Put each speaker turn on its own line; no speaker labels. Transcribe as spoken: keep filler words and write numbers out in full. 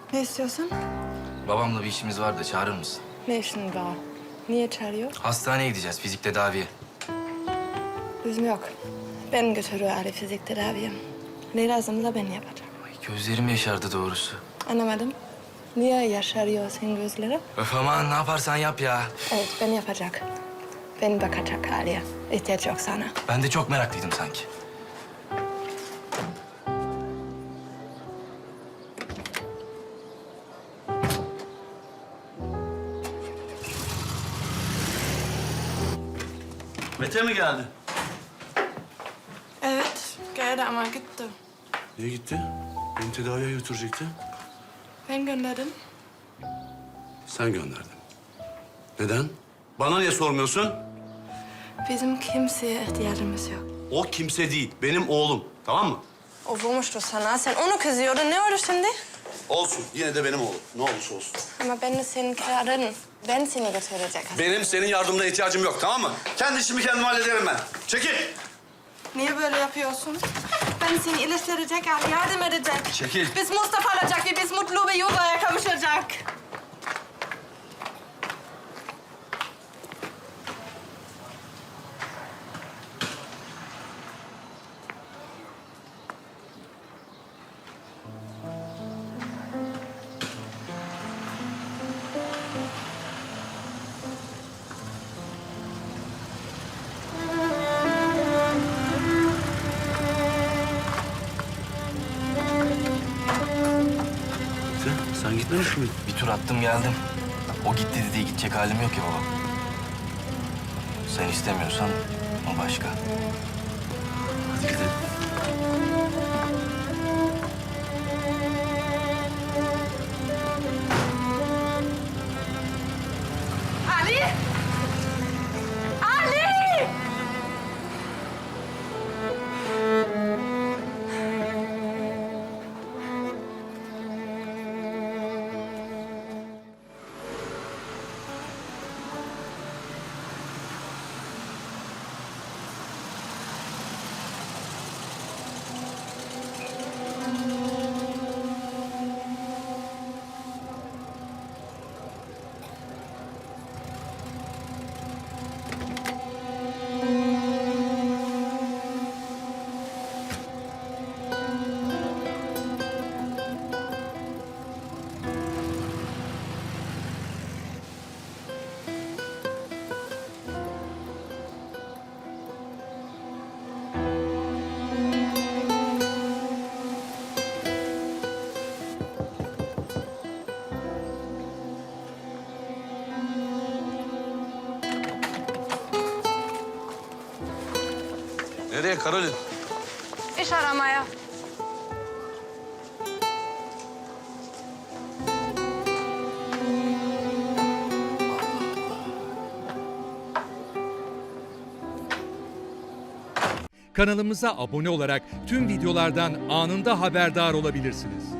Ne istiyorsun?
Babamla bir işimiz var da çağırır mısın?
Ne işin var? Niye çağırıyor?
Hastaneye gideceğiz, fizik tedaviye.
Lüzum yok. Ben götürüyor Ali fizik tedaviye. Ne lazımsa ben yapacağım.
Ay, gözlerim yaşardı doğrusu.
Anlamadım. Niye yaşarıyor senin gözleri?
Öf aman ne yaparsan yap ya.
Evet, ben yapacak. Ben bakacak Ali'ye. İhtiyaç yok sana.
Ben de çok meraklıydım sanki.
Mete mi geldi?
Evet, geldi ama gitti.
Niye gitti? Beni tedaviye götürecekti.
Ben gönderdim.
Sen gönderdin. Neden? Bana niye sormuyorsun?
Bizim kimseye ihtiyacımız yok.
O kimse değil, benim oğlum. Tamam mı?
O vurmuştu sana. Sen onu kızıyordun. Ne oldu şimdi?
Olsun, yine de benim oğlum. Ne olursa olsun.
Ama ben de senin karın. Ben seni götürecek.
Benim senin yardımına ihtiyacım yok, tamam mı? Kendi işimi kendim hallederim ben. Çekil!
Niye böyle yapıyorsun? Ben seni iyileştirecek, Ali yardım edecek.
Çekil.
Biz Mustafa olacak ve biz mutlu bir yuvaya kavuşacak.
Sen, sen gitmemiş miydin?
Bir tur attım geldim. O gitti dediği gidecek halim yok ya baba. Sen istemiyorsan o başka.
Hadi gidelim.
Ali! Ali!
Nereye Karolin?
İş aramaya.
Kanalımıza abone olarak tüm videolardan anında haberdar olabilirsiniz.